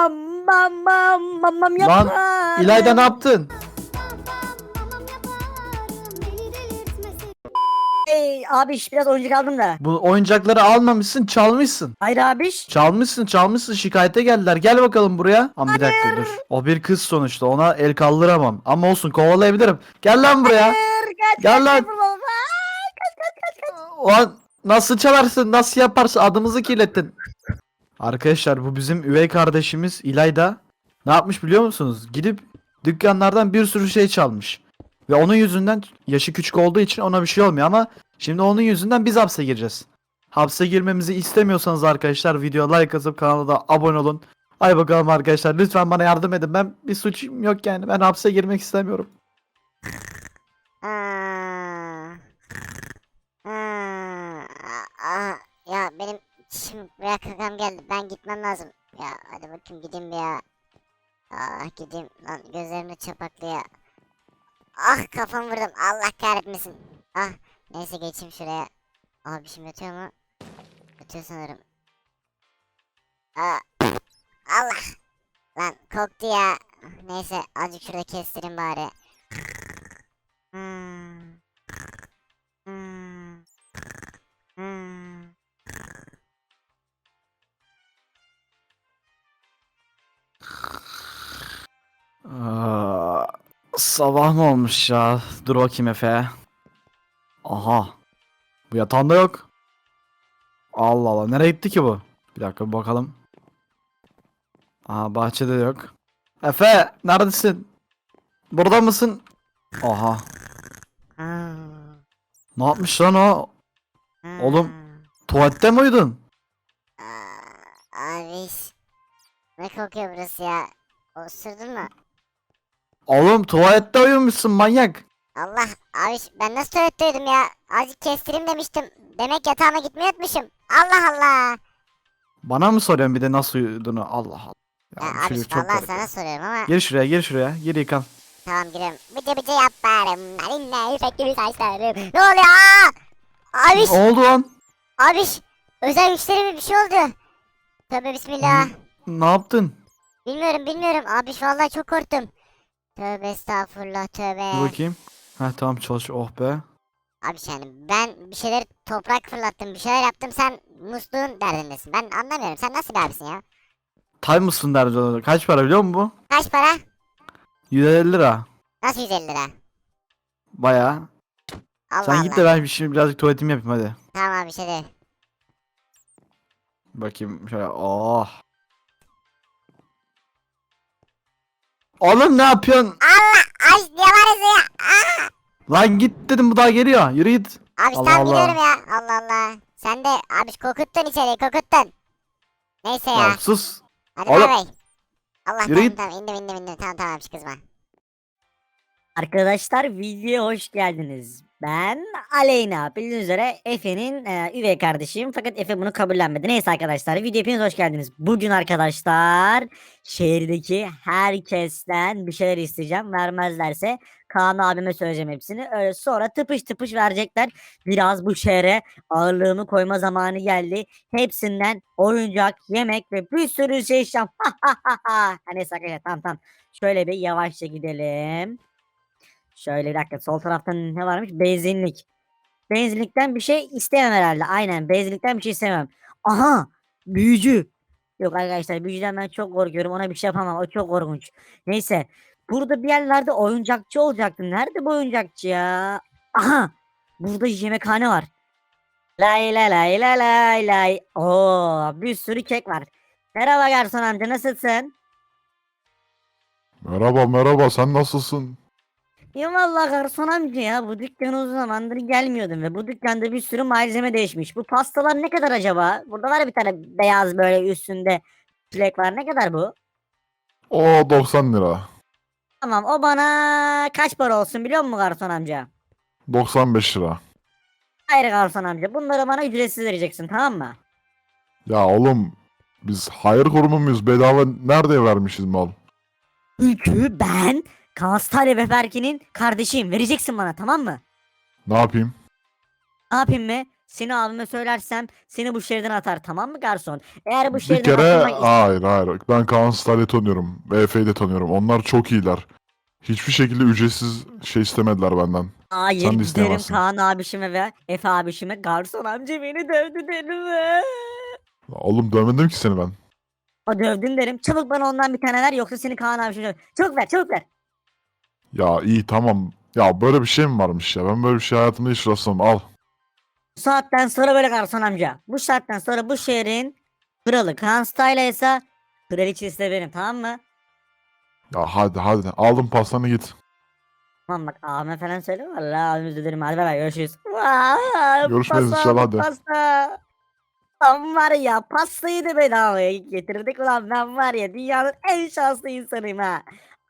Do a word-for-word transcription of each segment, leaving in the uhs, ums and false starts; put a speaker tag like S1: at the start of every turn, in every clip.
S1: bam bam bam bam bam
S2: Lan
S1: yaparım.
S2: İlayda ne yaptın?
S1: Ey abiş biraz oyuncak aldım da.
S2: Bu oyuncakları almamışsın, çalmışsın.
S1: Hayır abiş.
S2: Çalmışsın, çalmışsın. Şikayete geldiler. Gel bakalım buraya. Ama bir dakika dur. O bir kız sonuçta. Ona el kaldıramam. Ama olsun, kovalayabilirim. Gel lan buraya.
S1: Hayır, kaç
S2: Gel
S1: kaç
S2: lan.
S1: kaç baba. Aa, kaç kaç kaç kaç.
S2: Ulan nasıl çalarsın? Nasıl yaparsın? Adımızı kirlettin. Arkadaşlar bu bizim üvey kardeşimiz İlayda. Ne yapmış biliyor musunuz? Gidip dükkanlardan bir sürü şey çalmış. Ve onun yüzünden, yaşı küçük olduğu için ona bir şey olmuyor ama şimdi onun yüzünden biz hapse gireceğiz. Hapse girmemizi istemiyorsanız arkadaşlar videoya like atıp kanala da abone olun. Hay bakalım arkadaşlar, lütfen bana yardım edin. Ben bir suçum yok yani. Ben hapse girmek istemiyorum.
S3: Aa, aa, aa, ya benim şimdi buraya kakam geldi. Ben gitmem lazım. Ya hadi bakayım gideyim bir ya. Ah gideyim lan gözlerimde çapaklı ya. Ah kafam vurdum. Allah kahretmesin. Ah neyse geçeyim şuraya. Abi şimdi yatıyor mu? Yatıyor sanırım. Aa, Allah. Lan koktu ya. Neyse azıcık şurada kestireyim bari. Hmm. Hmm. Hmm.
S2: Aa, sabah mı olmuş ya? Dur bakayım Efe. Aha. Bu yatağında yok. Allah Allah. Nereye gitti ki bu? Bir dakika bir bakalım. Aha, bahçede de yok. Efe neredesin? Burada mısın? Aha.
S3: Hmm.
S2: Ne yapmış lan o? Oğlum.
S3: Hmm.
S2: Tuvalette mi uyudun?
S3: Aa, abi ne kokuyor burası ya? Osurdun mu?
S2: Oğlum tuvalette uyumuşsun manyak.
S3: Allah abi ben nasıl tuvaletteydim ya? Azıcık kestireyim demiştim. Demek yatağıma gitmeyi unutmuşum. Allah Allah.
S2: Bana mı soruyorsun bir de nasıl uyuduğunu? Allah Allah.
S3: Ya,
S2: Ya, bu
S3: abi
S2: çocuk çok
S3: vallahi
S2: garip
S3: sana
S2: ya.
S3: soruyorum ama
S2: Gir şuraya, gir şuraya. Gir yıkan.
S3: tamam giriyorum. Bıcı bıcı yaparım. Narinle ipek gibi saçlarım. Ne oluyor? Aa! Abiş,
S2: Ne oldu lan?
S3: abiş. Özel güçlerime bir şey oldu. Tövbe bismillah.
S2: Ne yaptın?
S3: Bilmiyorum bilmiyorum. Abiş vallahi çok korktum. Tövbe estağfurullah
S2: Dur
S3: tövbe.
S2: bakayım. Heh tamam, çalış. Oh be.
S3: Abi yani ben bir şeyler toprak fırlattım, bir şeyler yaptım, sen musluğun derdindesin. Ben anlamıyorum. Sen nasıl bir abisin ya?
S2: Tay mısın derdi ona. Kaç para biliyor musun bu?
S3: Kaç para?
S2: yüz elli lira.
S3: Nasıl yüz elli lira?
S2: Bayağı.
S3: Allah
S2: Sen
S3: Allah.
S2: git de ben şimdi birazcık tuvaletimi yapayım hadi.
S3: Tamam abi bir şey değil.
S2: Bakayım şöyle. Oh. Oğlum ne yapıyorsun?
S3: Allah! Ay ne var ya? Aa!
S2: Lan git dedim, bu daha geliyor. Yürü git.
S3: Abi
S2: Allah
S3: tamam
S2: Allah.
S3: gidiyorum ya. Allah Allah. Sen de abi kokuttun içeriği kokuttun. Neyse ya.
S2: Ya sus.
S3: Hadi
S2: oğlum.
S3: bay bay. Allah
S2: Yürü
S3: tamam
S2: git.
S3: tamam indim indim indim. Tamam tamam hiç kızma.
S1: Arkadaşlar videoya hoş geldiniz. Ben Aleyna. Bildiğiniz üzere Efe'nin e, üvey kardeşim. Fakat Efe bunu kabullenmedi. Neyse arkadaşlar video hepiniz hoş geldiniz. Bugün arkadaşlar şehirdeki herkesten bir şeyler isteyeceğim. Vermezlerse Kaan abime söyleyeceğim hepsini. Öyle sonra tıpış tıpış verecekler. Biraz bu şehre ağırlığımı koyma zamanı geldi. Hepsinden oyuncak, yemek ve bir sürü şey isteyeceğim. Neyse arkadaşlar tamam tamam. Şöyle bir yavaşça gidelim. Şöyle bir dakika, sol tarafta ne varmış? Benzinlik. Benzinlikten bir şey istemem herhalde. Aynen, benzinlikten bir şey istemem. Aha, büyücü. Yok arkadaşlar, büyücüden ben çok korkuyorum. Ona bir şey yapamam. O çok korkunç. Neyse. Burada bir yerlerde oyuncakçı olacaktı. Nerede bu oyuncakçı ya? Aha. Burada yemekhane var. Lay lay lay lay lay lay. Oo, bir sürü kek var. Merhaba garson amca, nasılsın?
S4: Merhaba merhaba, sen nasılsın?
S1: Ya vallahi garson amca, ya bu dükkana uzun zamandır gelmiyordum ve bu dükkanda bir sürü malzeme değişmiş. Bu pastalar ne kadar acaba? Burada var bir tane beyaz böyle üstünde çilek var. Ne kadar bu?
S4: O doksan lira.
S1: Tamam, o bana kaç para olsun biliyor musun garson amca?
S4: doksan beş lira.
S1: Hayır garson amca, bunları bana ücretsiz vereceksin, tamam mı?
S4: Ya oğlum, biz hayır kurumu muyuz? Bedava nerede vermişiz mal?
S1: Çünkü ben Kanstale ve Berke'nin kardeşiyim. Vereceksin bana, tamam mı?
S4: Ne yapayım?
S1: Ne yapayım mı? Seni abime söylersem seni bu şehirden atar, tamam mı garson? Eğer bu
S4: Bir
S1: şehirden
S4: kere
S1: atılmak ist-
S4: hayır hayır. Ben Kaan Star'ı tanıyorum. ve Efe'yi de tanıyorum. Onlar çok iyiler. Hiçbir şekilde ücretsiz şey istemediler benden.
S1: Hayır
S4: Sen de
S1: giderim
S4: isteyemezsin.
S1: Kaan abişime ve Efe abişime, garson amca beni dövdü derim.
S4: Oğlum dövmedim ki seni ben.
S1: O dövdün derim. Çabuk bana ondan bir tane ver, yoksa seni Kaan abişime döv. Çabuk ver, çabuk ver.
S4: Ya iyi tamam. Ya böyle bir şey mi varmış ya? Ben böyle bir şey hayatımda hiç rastlamadım. Al.
S1: Bu saatten sonra böyle garson amca. Bu saatten sonra bu şehrin kralı Kaan Style ise kraliçesi de benim, tamam mı?
S4: Ya hadi hadi. Aldım pastanı git.
S1: Tamam bak, abime falan söyle. Vallahi abimiz de derim, hadi bay bay, görüşürüz. Vay,
S4: Görüşmeyiz
S1: pasta
S4: inşallah,
S1: aldık,
S4: hadi.
S1: pasta. Lan var ya, pastayı da bedavaya getirdik ulan, ben var ya dünyanın en şanslı insanıyım ha.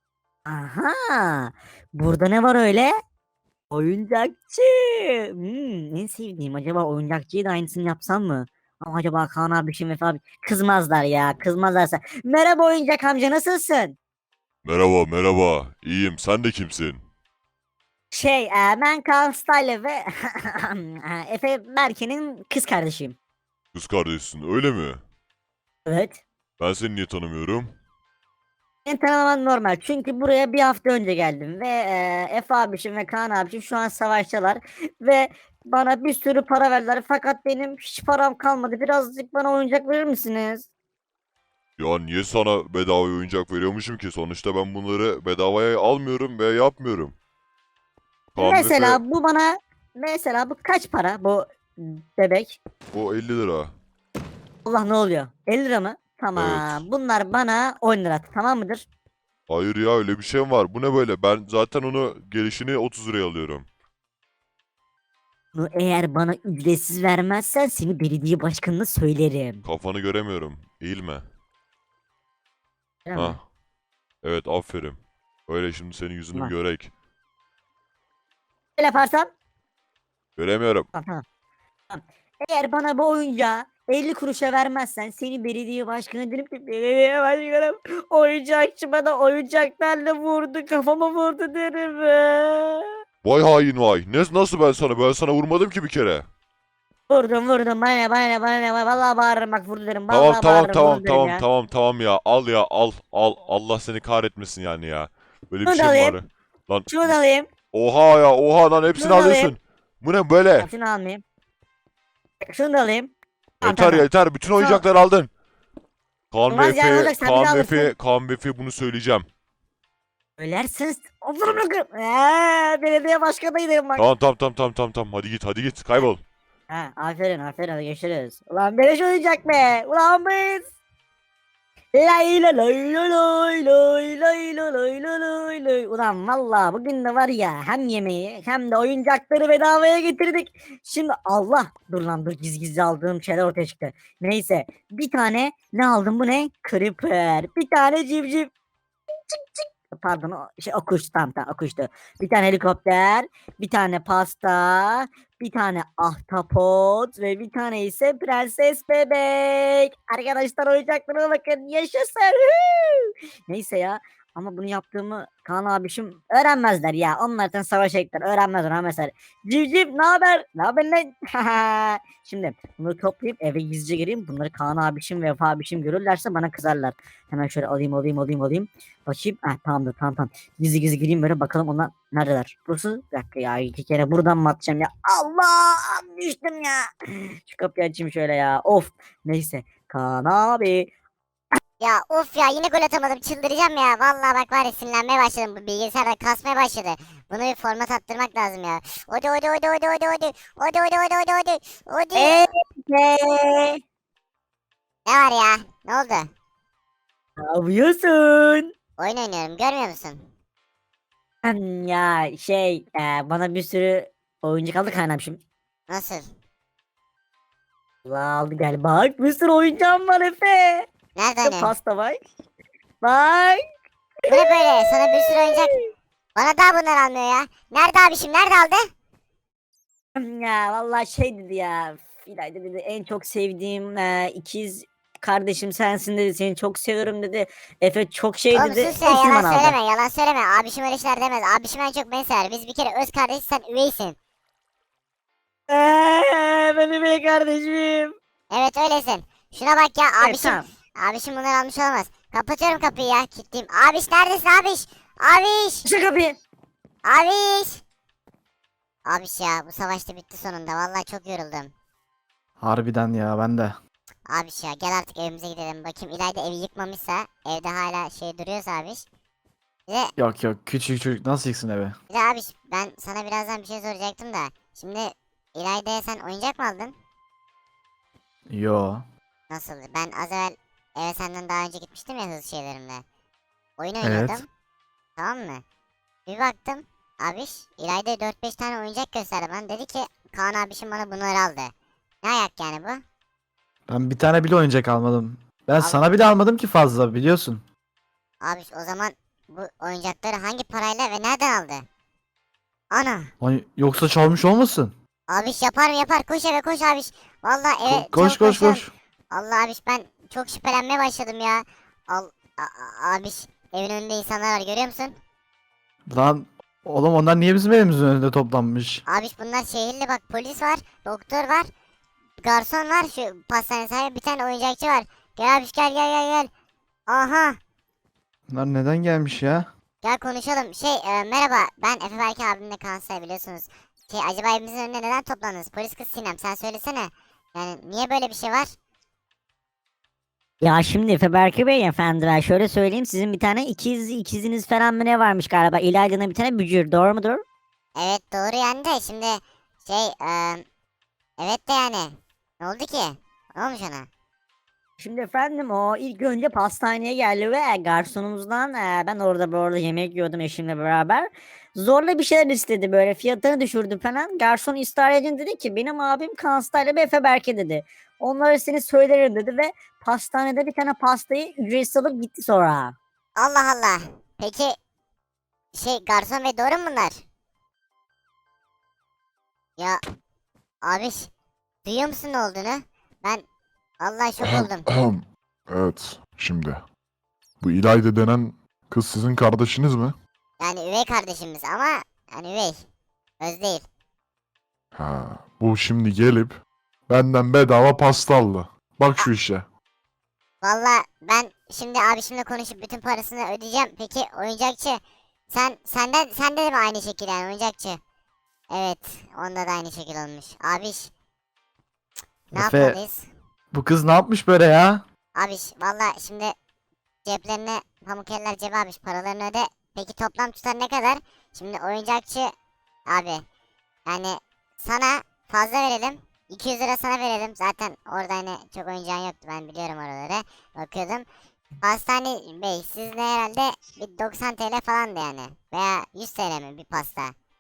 S1: Aha, burada ne var öyle? Oyuncakçı. Hmm, en sevdiğim, acaba oyuncakçıyı da aynısını yapsam mı? Ama acaba Kaan abi şimdi Vefa abi kızmazlar ya, kızmazlarsa. Merhaba oyuncak amca, nasılsın?
S5: Merhaba, merhaba. İyiyim. Sen de kimsin?
S1: Şey, e, ben Kaan Style ve e, Efe Berke'nin kız kardeşiyim.
S5: Kız kardeşsin, öyle mi?
S1: Evet.
S5: Ben seni niye tanımıyorum?
S1: Beni tanıman normal, çünkü buraya bir hafta önce geldim ve e, Efe abişim ve Kaan abişim şu an savaştalar ve bana bir sürü para verdiler, fakat benim hiç param kalmadı. Birazcık bana oyuncak verir misiniz?
S5: Ya niye sana bedava oyuncak veriyormuşum ki? Sonuçta ben bunları bedavaya almıyorum ve yapmıyorum. Kaan
S1: Mesela
S5: Efe,
S1: bu bana, mesela bu kaç para bu bebek?
S5: o elli lira.
S1: Allah, ne oluyor? elli lira mı? Tamam.
S5: Evet.
S1: Bunlar bana on lira, tamam mıdır?
S5: Hayır ya, öyle bir şey mi var? Bu ne böyle? Ben zaten onu gelişini otuz liraya alıyorum.
S1: Bunu eğer bana ücretsiz vermezsen seni belediye başkanına söylerim.
S5: Kafanı göremiyorum. Eğilme.
S1: Değil mi?
S5: Ha. Evet, aferin. Öyle şimdi senin yüzünü bir
S1: Ulan.
S5: görek.
S1: Böyle yaparsam
S5: Göremiyorum.
S1: tamam, tamam. Tamam. Eğer bana bu oyuncağı elli kuruşa vermezsen seni belediye başkanı derim ki, belediye başkanım oyuncakçı bana oyuncaklarla vurdu, kafama vurdu derim.
S5: Vay hain vay. Ne, nasıl ben sana? Ben sana vurmadım ki bir kere.
S1: Vurdum vurdum, bana ne bana ne bana ne, vallahi bağırırım bak, vurdu derim,
S5: Tamam
S1: vallahi
S5: tamam
S1: bağırırım,
S5: tamam
S1: vurdu derim
S5: tamam
S1: ya.
S5: tamam tamam ya, al ya, al al, Allah seni kahretmesin yani ya. Böyle bir
S1: Şunu da
S5: şey mi
S1: alayım.
S5: var? Lan
S1: Şunu da alayım.
S5: oha ya, oha lan, hepsini
S1: Şunu da alayım.
S5: alıyorsun. Bu ne böyle?
S1: Bak, şunu almayayım. Şunu da alayım. Tamam,
S5: Yeter
S1: tamam.
S5: yeter, bütün
S1: Şunu-
S5: oyuncakları aldın. Kaan ve
S1: Olmaz ya, ne
S5: Efe,
S1: olacak, sen bir
S5: Kaan
S1: daha
S5: ve Efe,
S1: alırsın.
S5: Kaan ve Efe bunu söyleyeceğim.
S1: Ölersiniz. Oturup bırakın. Eee, belediye başkanıydım bak.
S5: Tamam tamam tamam tamam tamam tamam, hadi git hadi git, kaybol.
S1: Ha, aferin aferin, hadi görüşürüz. Ulan beleş oyuncak be. Ulan biz. Lay la lay la lay lay lay la lay la lay lay. Ulan valla bugün de var ya, hem yemeği hem de oyuncakları bedavaya getirdik. Şimdi Allah, dur lan dur, gizli gizli aldığım şeyler ortaya çıktı. Neyse, bir tane ne aldım, bu ne? Creeper. Bir tane civciv. Pardon, o şey, o kuştu, tamam tamam, o kuştu. Bir tane helikopter, bir tane pasta, bir tane ahtapot ve bir tane ise prenses bebek. Arkadaşlar oyuncaklarına bakın, yaşasın. Huu! Neyse ya, ama bunu yaptığımı Kaan abişim öğrenmezler ya. Onlar zaten savaşa gittiler, öğrenmezler ha mesela. Civciv, ne haber? Ne haber lan? Şimdi bunları toplayıp eve gizlice gireyim. Bunları Kaan abişim ve Vefa abişim görürlerse bana kızarlar. Hemen şöyle alayım alayım alayım alayım. Bakayım. Ah, tamamdır, tamam tamam. Gizli gizli gireyim böyle, bakalım onlar neredeler. Burası, bir dakika ya, iki kere buradan mı atacağım ya. Allah, düştüm ya. Şu kapıyı açayım şöyle ya. Of. Neyse. Kaan abi.
S3: Ya of ya, yine gol atamadım, çıldıracağım ya. Vallahi bak var ya, sinirlenmeye başladım, bu bilgisayarda kasmaya başladı. Bunu bir format attırmak lazım ya. Hadi hadi hadi hadi hadi hadi. Hadi hadi hadi hadi hadi. Hadi.
S1: Eee.
S3: Ne var ya? Ne oldu?
S1: Ne yapıyorsun?
S3: Oyun oynuyorum, görmüyor musun?
S1: Hmm, ya şey, e, bana bir sürü oyuncak aldı Kaan abişim.
S3: Nasıl?
S1: Allah, aldı gel, bak bir sürü oyuncağım var Efe.
S3: Nerede
S1: İşte
S3: hani?
S1: pasta bak. Bak.
S3: Bu ne böyle? Sana bir sürü oyuncak. Bana daha bunlar almıyor ya. Nerede abişim? Nerede aldı?
S1: Ya vallahi şey dedi ya. İlayda dedi, en çok sevdiğim e, ikiz kardeşim sensin dedi. Seni çok seviyorum dedi. Efe çok şey
S3: Oğlum
S1: dedi.
S3: sus ya,
S1: Hepsini
S3: yalan
S1: bana aldı.
S3: söyleme, yalan söyleme. Abişim öyle şeyler demez. Abişim en çok beni sever. Biz bir kere öz kardeşiz, sen üveysin.
S1: Eee benim üvey kardeşim.
S3: Evet öylesin. Şuna bak ya
S1: Evet,
S3: abişim.
S1: tamam.
S3: Abişim bunları almış olamaz. Kapatıyorum kapıyı ya. Kilitleyeyim. Abiş neredesin abiş? Abiş.
S1: Şu kapıyı.
S3: Abiş. Abiş ya bu savaşta bitti sonunda. Vallahi çok yoruldum.
S2: Harbiden ya ben de.
S3: Abiş ya gel artık evimize gidelim. Bakayım İlayda evi yıkmamışsa. Evde hala şey duruyorsa abiş. Bir de,
S2: Yok yok küçük çocuk nasıl yıksın evi?
S3: bir de abiş ben sana birazdan bir şey soracaktım da. Şimdi İlayda'ya sen oyuncak mı aldın?
S2: Yo.
S3: Nasıl? Ben az evvel eve senden daha önce gitmiştim ya hızlı şeylerimle. Oyun
S2: Evet.
S3: oynuyordum. Tamam mı? Bir baktım. Abiş İlayda'ya dört beş tane oyuncak gösterdi bana. Dedi ki Kaan abişim bana bunları aldı. Ne ayak yani bu?
S2: Ben bir tane bile oyuncak almadım. Ben
S3: Al-
S2: sana bile almadım ki fazla biliyorsun.
S3: Abiş o zaman bu oyuncakları hangi parayla ve nereden aldı? Ana.
S2: Ay, yoksa çalmış olmasın?
S3: Abiş yapar mı yapar. Koş eve koş abiş. Vallahi eve
S2: Ko- koş
S3: çabuk
S2: koş
S3: koşalım.
S2: koş.
S3: Allah abiş ben çok şüphelenmeye başladım ya. Al a- a- abiş evin önünde insanlar var görüyor musun?
S2: Lan oğlum onlar niye bizim evimizin önünde toplanmış?
S3: Abiş bunlar şehirli bak polis var, doktor var, garson var, şu pastane sahibi bir tane oyuncakçı var. Gel abiş gel gel gel gel. Aha
S2: Bunlar neden gelmiş ya?
S3: gel konuşalım. Şey e, merhaba ben Efe Berke abimle Kansay biliyorsunuz. Şey acaba evimizin önüne neden toplandınız? Polis kız Sinem sen söylesene. Yani niye böyle bir şey var?
S1: Ya şimdi Efe Berke Bey efendi ben şöyle söyleyeyim sizin bir tane ikiz ikiziniz falan mı ne varmış galiba İlayda'nın bir tane bücür doğru mudur?
S3: Evet doğru yani de şimdi şey e, evet de yani ne oldu ki? Ne olmuş ona?
S1: Şimdi efendim o ilk önce pastaneye geldi ve garsonumuzdan e, ben orada bu arada yemek yiyordum eşimle beraber. Zorla bir şeyler istedi böyle fiyatını düşürdü falan. Garson ısrar edince dedi ki benim abim Kanstayla ve Efe Berke dedi. Onlara seni söylerim dedi ve pastanede bir tane pastayı ücretsiz alıp gitti sonra.
S3: Allah Allah. Peki şey garson ve doğru mu bunlar? Ya abiş duyuyor musun ne olduğunu? Ben vallahi şok oldum.
S4: Evet, şimdi. Bu İlayda denen kız sizin kardeşiniz mi?
S3: Yani üvey kardeşimiz ama yani üvey. Öz değil.
S4: Ha, bu şimdi gelip benden bedava pasta aldı. Bak şu işe.
S3: Vallahi ben şimdi abişimle konuşup bütün parasını ödeyeceğim. Peki oyuncakçı sen senden sende de mi aynı şekil yani oyuncakçı? Evet onda da aynı şekil olmuş. Abiş ne
S2: Efe-
S3: yapmalıyız?
S2: Bu kız ne yapmış böyle ya?
S3: Abiş valla şimdi ceplerine pamuk eller cebe abiş paralarını öde. Peki toplam tutar ne kadar? Şimdi oyuncakçı abi yani sana fazla verelim. iki yüz lira sana verelim. Zaten orada hani çok oyuncağın yoktu ben biliyorum oraları. Bakıyordum. Pastane bey sizde herhalde bir doksan T L falandı yani. Veya yüz T L mi bir pasta?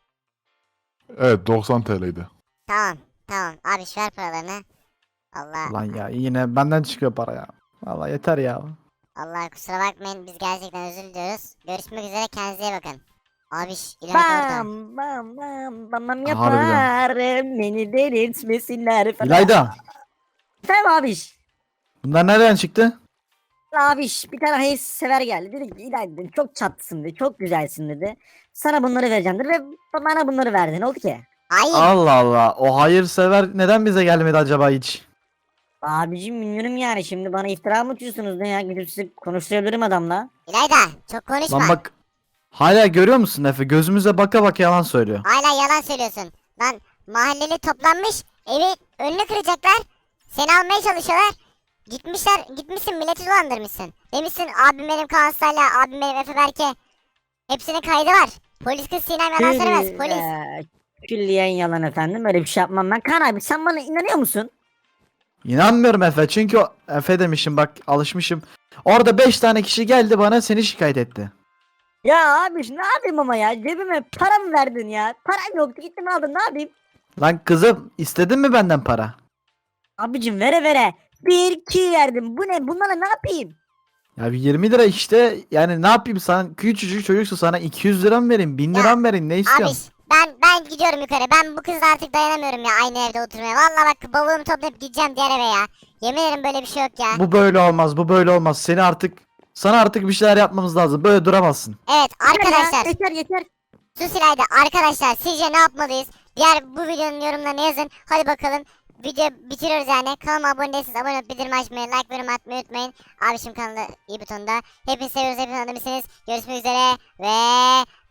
S4: Evet, doksan T L'ydi.
S3: Tamam tamam abi ver paralarını. Allah
S2: Lan ya yine benden çıkıyor para ya. Vallahi yeter ya.
S3: Allah kusura bakmayın biz gerçekten özür diliyoruz. Görüşmek üzere kendinize iyi bakın. Abiş ileride orada.
S1: Bam bam bam bam bam
S2: Harbiden.
S1: yaparım beni delirtmesinler falan.
S2: İlayda
S1: Efendim abiş.
S2: bunlar nereden çıktı?
S1: Abiş bir tane hayırsever geldi. Dedi ki İlayda dedi, çok çatlısın dedi. Çok güzelsin dedi. Sana bunları vereceğim dedi ve bana bunları verdi. Ne oldu ki?
S3: Hayır.
S2: Allah Allah o hayırsever neden bize gelmedi acaba hiç?
S1: Abicim bilmiyorum yani şimdi bana iftira mı atıyorsunuz ne ya? Gidip sizi konuşturabilirim adamla.
S3: İlayda çok konuşma.
S2: Lan bak hala görüyor musun Efe gözümüze baka baka yalan söylüyor.
S3: Hala yalan söylüyorsun. Lan mahalleli toplanmış evi önünü kıracaklar. Seni almaya çalışıyorlar. Gitmişler gitmişsin milleti dolandırmışsın. Demişsin abim benim Kaan Sayla, abim benim Efe Berke. Hepsinin kaydı var. Polis kız Sinem yalan söylemez
S1: Kül-
S3: polis.
S1: eee, Külliyen yalan efendim böyle bir şey yapmam ben. Kaan abi sen bana inanıyor musun?
S2: İnanmıyorum Efe çünkü o- Efe demişim bak alışmışım. Orada beş tane kişi geldi bana seni şikayet etti.
S1: Ya abi ne yapayım ama ya cebime para mı verdin ya? Param yoktu gittim aldın ne yapayım?
S2: Lan kızım istedin mi benden para?
S1: Abicim vere vere. Bir iki verdim. Bu ne? Bunlara ne yapayım?
S2: Ya bir yirmi lira işte yani ne yapayım sana küçücük çocuksun sana iki yüz lira mı vereyim bin lira mı vereyim ne istiyorsun?
S3: Abiş ben ben gidiyorum yukarı. Ben bu kızla artık dayanamıyorum ya aynı evde oturmaya. Vallahi bak bavulumu toplayıp gideceğim diğer eve ya. Yemin ederim böyle bir şey yok ya.
S2: Bu böyle olmaz bu böyle olmaz seni artık sana artık bir şeyler yapmamız lazım böyle duramazsın.
S3: Evet
S1: Yeter ya,
S3: arkadaşlar.
S1: Yeter yeter.
S3: Sus İlayda. Arkadaşlar sizce ne yapmalıyız? Diğer bu videonun yorumlarına yazın. Hadi bakalım. Video bitiriyoruz yani. Kanalıma abone değilseniz abone olup bildirim açmayı, like ve yorum atmayı unutmayın. Abişim kanalı iyi butonda. Hepinizi seviyoruz. Hepiniz anlamışsınız. Görüşmek üzere ve